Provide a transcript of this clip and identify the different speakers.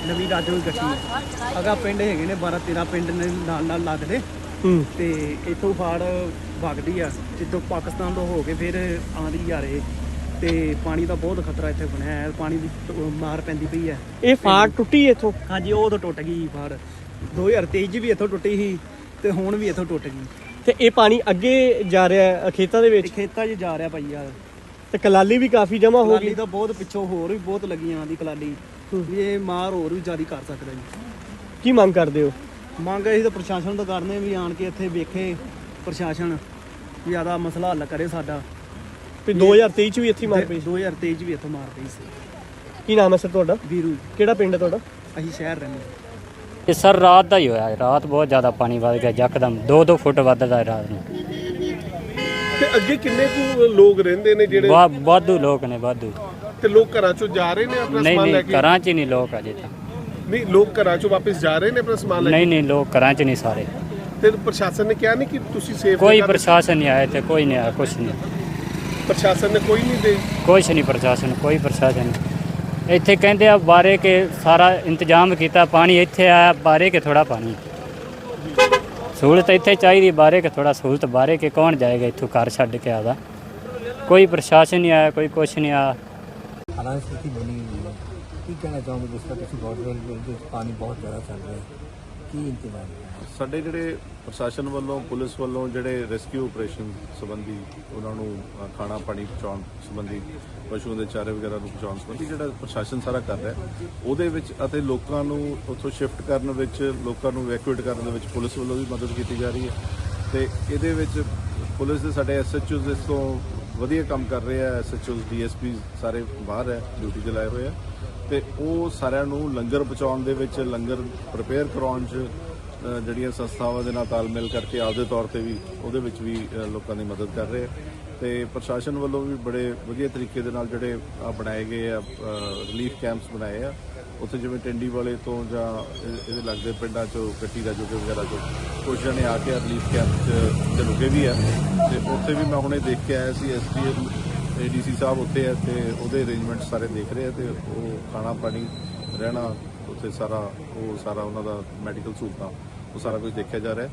Speaker 1: ਨਵੀਂ ਰਾਜੋ ਗੱਟੀ ਅਗਾ ਪਿੰਡ ਹੈਗੇ ਨੇ 12-13 ਪਿੰਡ ਨੇ ਨਾਲ ਲੱਗਦੇ ਤੇ ਇੱਥੋਂ ਫਾੜ ਵਗਦੀ ਆ ਜਿੱਦੋਂ ਪਾਕਿਸਤਾਨ ਤੋਂ ਹੋ ਕੇ ਫਿਰ ਆਉਂਦੀ ਆ ਰਹੇ ਤੇ ਪਾਣੀ ਦਾ ਬਹੁਤ ਖਤਰਾ ਇੱਥੇ ਬਣਿਆ ਹੈ। ਪਾਣੀ ਦੀ ਮਾਰ ਪੈਂਦੀ ਪਈ ਹੈ।
Speaker 2: ਇਹ ਫਾੜ ਟੁੱਟੀ ਇੱਥੋਂ?
Speaker 1: ਹਾਂਜੀ ਉਹ ਤੋਂ ਟੁੱਟ ਗਈ ਫਾੜ 2023 'ਚ ਵੀ ਇੱਥੋਂ ਟੁੱਟੀ ਸੀ ਤੇ ਹੁਣ ਵੀ ਇੱਥੋਂ ਟੁੱਟ ਗਈ।
Speaker 2: ਤੇ ਇਹ ਪਾਣੀ ਅੱਗੇ ਜਾ ਰਿਹਾ ਖੇਤਾਂ ਦੇ ਵਿੱਚ?
Speaker 1: ਖੇਤਾਂ 'ਚ ਜਾ ਰਿਹਾ ਭਾਈ ਯਾਰ।
Speaker 2: ਤੇ ਕਲਾਲੀ ਵੀ ਕਾਫੀ ਜਮਾ ਹੋ ਗਈ?
Speaker 1: ਕਲਾਲੀ ਤਾਂ ਬਹੁਤ ਪਿੱਛੋਂ ਹੋਰ ਵੀ ਬਹੁਤ ਲੱਗੀਆਂ ਆਂਦੀ ਕਲਾਲੀ ਵੀ ਇਹ ਮਾਰ ਹੋਰ ਵੀ ਜ਼ਿਆਦਾ ਕਰ ਸਕਦਾ ਜੀ।
Speaker 2: ਕੀ ਮੰਗ ਕਰਦੇ ਹੋ?
Speaker 1: ਮੰਗ ਅਸੀਂ ਤਾਂ ਪ੍ਰਸ਼ਾਸਨ ਤੋਂ ਕਰਨੇ ਵੀ ਆਣ ਕੇ ਇੱਥੇ ਵੇਖੇ ਪ੍ਰਸ਼ਾਸਨ ਜ਼ਿਆਦਾ ਮਸਲਾ ਹੱਲ ਕਰੇ ਸਾਡਾ।
Speaker 2: ਵੀ 2023 ਚ ਵੀ ਇੱਥੇ ਮਾਰ ਪਈ?
Speaker 1: 2023 ਚ ਵੀ ਇੱਥੇ ਮਾਰ ਪਈ ਸੀ।
Speaker 2: ਕੀ ਨਾਮ ਹੈ ਸਰ ਤੁਹਾਡਾ?
Speaker 1: ਵੀਰੂ।
Speaker 2: ਕਿਹੜਾ ਪਿੰਡ ਹੈ ਤੁਹਾਡਾ?
Speaker 1: ਅਸੀਂ ਸ਼ਹਿਰ ਰਹਿੰਦੇ।
Speaker 3: ਇਹ ਸਰ ਰਾਤ ਦਾ ਹੀ ਹੋਇਆ। ਰਾਤ ਬਹੁਤ ਜ਼ਿਆਦਾ ਪਾਣੀ ਵੱਧ ਗਿਆ ਯਕਦਮ 2-2 ਫੁੱਟ ਵੱਧਦਾ ਰਾਤ ਨੂੰ।
Speaker 4: ਤੇ ਅੱਗੇ ਕਿੰਨੇ ਕੁ ਲੋਕ ਰਹਿੰਦੇ ਨੇ ਜਿਹੜੇ?
Speaker 3: ਵਾਧੂ ਲੋਕ ਨੇ ਵਾਧੂ।
Speaker 4: ਤੇ ਲੋਕ ਘਰਾਂ ਚੋਂ ਜਾ ਰਹੇ ਨੇ ਆਪਣਾ ਸਮਾਨ ਲੈ ਕੇ?
Speaker 3: ਨਹੀਂ ਘਰਾਂ 'ਚ ਨਹੀਂ ਲੋਕ ਅਜੇ ਤਾਂ।
Speaker 4: ਨਹੀਂ ਲੋਕ ਘਰਾਂ ਚੋਂ ਵਾਪਸ ਜਾ ਰਹੇ ਨੇ ਆਪਣਾ ਸਮਾਨ ਲੈ ਕੇ?
Speaker 3: ਨਹੀਂ ਲੋਕ ਘਰਾਂ 'ਚ ਨਹੀਂ ਸਾਰੇ।
Speaker 4: ਤੇ ਪ੍ਰਸ਼ਾਸਨ ਨੇ ਕਿਹਾ ਨਹੀਂ ਕਿ ਤੁਸੀਂ ਸੇਫ?
Speaker 3: ਕੋਈ ਪ੍ਰਸ਼ਾਸਨ ਨਹੀਂ ਆਇਆ ਤੇ ਕੋਈ ਨਹੀਂ ਆਇਆ ਕੁਛ ਨਹੀਂ।
Speaker 4: ਪ੍ਰਸ਼ਾਸਨ ਨੇ ਕੋਈ ਨਹੀਂ ਦੇ?
Speaker 3: ਕੁਛ ਨਹੀਂ ਪ੍ਰਸ਼ਾਸਨ ਕੋਈ ਪ੍ਰਸ਼ਾਸਨ ਨਹੀਂ। ਇੱਥੇ ਕਹਿੰਦੇ ਆ ਬਾਰੇ ਕੇ ਸਾਰਾ ਇੰਤਜ਼ਾਮ ਕੀਤਾ ਪਾਣੀ ਇੱਥੇ ਆਇਆ ਬਾਰੇ ਕੇ ਥੋੜਾ ਪਾਣੀ ਸਹੂਲਤ ਇੱਥੇ ਚਾਹੀਦੀ ਬਾਰੇ ਕੇ ਥੋੜਾ ਸਹੂਲਤ ਬਾਰੇ ਕੇ ਕੌਣ ਜਾਏਗਾ ਇੱਥੋਂ ਘਰ ਛੱਡ ਕੇ ਆਦਾ। ਕੋਈ ਪ੍ਰਸ਼ਾਸਨ ਨਹੀਂ ਆਇਆ ਕੋਈ ਕੁਛ ਨਹੀਂ ਆਇਆ।
Speaker 5: ਹਾਲਾਂਕਿ ਸਥਿਤੀ ਬਣੀ ਹੋਈ ਹੈ। ਕੀ ਕਹਿਣਾ ਚਾਹੋਗੇ ਜਿਸ ਤਰ੍ਹਾਂ ਤੁਸੀਂ ਬਹੁਤ ਪਾਣੀ ਬਹੁਤ ਜ਼ਿਆਦਾ ਚੱਲ ਰਿਹਾ ਹੈ, ਕੀ ਇੰਤਜ਼ਾਮ?
Speaker 6: ਸਾਡੇ ਜਿਹੜੇ ਪ੍ਰਸ਼ਾਸਨ ਵੱਲੋਂ ਪੁਲਿਸ ਵੱਲੋਂ ਜਿਹੜੇ ਰੈਸਕਿਊ ਆਪਰੇਸ਼ਨ ਸੰਬੰਧੀ ਉਹਨਾਂ ਨੂੰ ਖਾਣਾ ਪਾਣੀ ਪਹੁੰਚਾਉਣ ਸੰਬੰਧੀ ਪਸ਼ੂਆਂ ਦੇ ਚਾਰੇ ਵਗੈਰਾ ਨੂੰ ਪਹੁੰਚਾਉਣ ਸੰਬੰਧੀ ਜਿਹੜਾ ਪ੍ਰਸ਼ਾਸਨ ਸਾਰਾ ਕਰ ਰਿਹਾ ਉਹਦੇ ਵਿੱਚ ਅਤੇ ਲੋਕਾਂ ਨੂੰ ਉੱਥੋਂ ਸ਼ਿਫਟ ਕਰਨ ਵਿੱਚ ਲੋਕਾਂ ਨੂੰ ਇਵੈਕੂਏਟ ਕਰਨ ਦੇ ਵਿੱਚ ਪੁਲਿਸ ਵੱਲੋਂ ਵੀ ਮਦਦ ਕੀਤੀ ਜਾ ਰਹੀ ਹੈ। ਤੇ ਇਹਦੇ ਵਿੱਚ ਪੁਲਿਸ ਦੇ ਸਾਡੇ ਐਸਐਚਓਜ਼ ਇਸ ਤੋਂ ਵਧੀਆ ਕੰਮ ਕਰ ਰਹੇ ਆ। ਐਸਐਚਓਜ਼ ਡੀਐਸਪੀ ਸਾਰੇ ਬਾਹਰ ਹੈ ਡਿਊਟੀ ਤੇ ਲਾਏ ਹੋਏ ਆ ਤੇ ਉਹ ਸਾਰਿਆਂ ਨੂੰ ਲੰਗਰ ਪਹੁੰਚਾਉਣ ਦੇ ਵਿੱਚ ਲੰਗਰ ਪ੍ਰਪੇਅਰ ਕਰਾਉਣ 'ਚ ਜਿਹੜੀਆਂ ਸੰਸਥਾਵਾਂ ਦੇ ਨਾਲ ਤਾਲਮੇਲ ਕਰਕੇ ਆਪਦੇ ਤੌਰ ਤੇ ਵੀ ਉਹਦੇ ਵਿੱਚ ਵੀ ਲੋਕਾਂ ਦੀ ਮਦਦ ਕਰ ਰਹੇ ਆ। ਤੇ ਪ੍ਰਸ਼ਾਸਨ ਵੱਲੋਂ ਵੀ ਬੜੇ ਵਧੀਆ ਤਰੀਕੇ ਦੇ ਨਾਲ ਜਿਹੜੇ ਬਣਾਏ ਗਏ ਆ ਰਿਲੀਫ ਕੈਂਪਸ ਬਣਾਏ ਆ। ਉੱਥੇ ਜਿਵੇਂ ਟਿੰਡੀ ਵਾਲੇ ਤੋਂ ਜਾਂ ਇਹਦੇ ਲੱਗਦੇ ਪਿੰਡਾਂ 'ਚੋਂ ਗੱਟੀ ਰਾਜੋਕੇ ਵਗੈਰਾ 'ਚੋਂ ਕੁਝ ਜਣੇ ਆ ਕੇ ਰਿਲੀਫ ਕੈਂਪ 'ਚ ਰੁਕੇ ਵੀ ਆ ਤੇ ਉੱਥੇ ਵੀ ਮੈਂ ਹੁਣੇ ਦੇਖ ਕੇ ਆਇਆ ਸੀ। ਐਸਡੀਐਮ ਏਡੀਸੀ ਸਾਹਿਬ ਉੱਥੇ ਆ ਤੇ ਉਹਦੇ ਅਰੇਂਜਮੈਂਟ ਸਾਰੇ ਦੇਖ ਰਹੇ ਆ ਤੇ ਉਹ ਖਾਣਾ ਪਾਣੀ ਰਹਿਣਾ ਉੱਥੇ ਸਾਰਾ ਉਹਨਾਂ ਦਾ ਮੈਡੀਕਲ ਸਹੂਲਤਾਂ ਉਹ ਸਾਰਾ ਕੁਝ ਦੇਖਿਆ ਜਾ ਰਿਹਾ।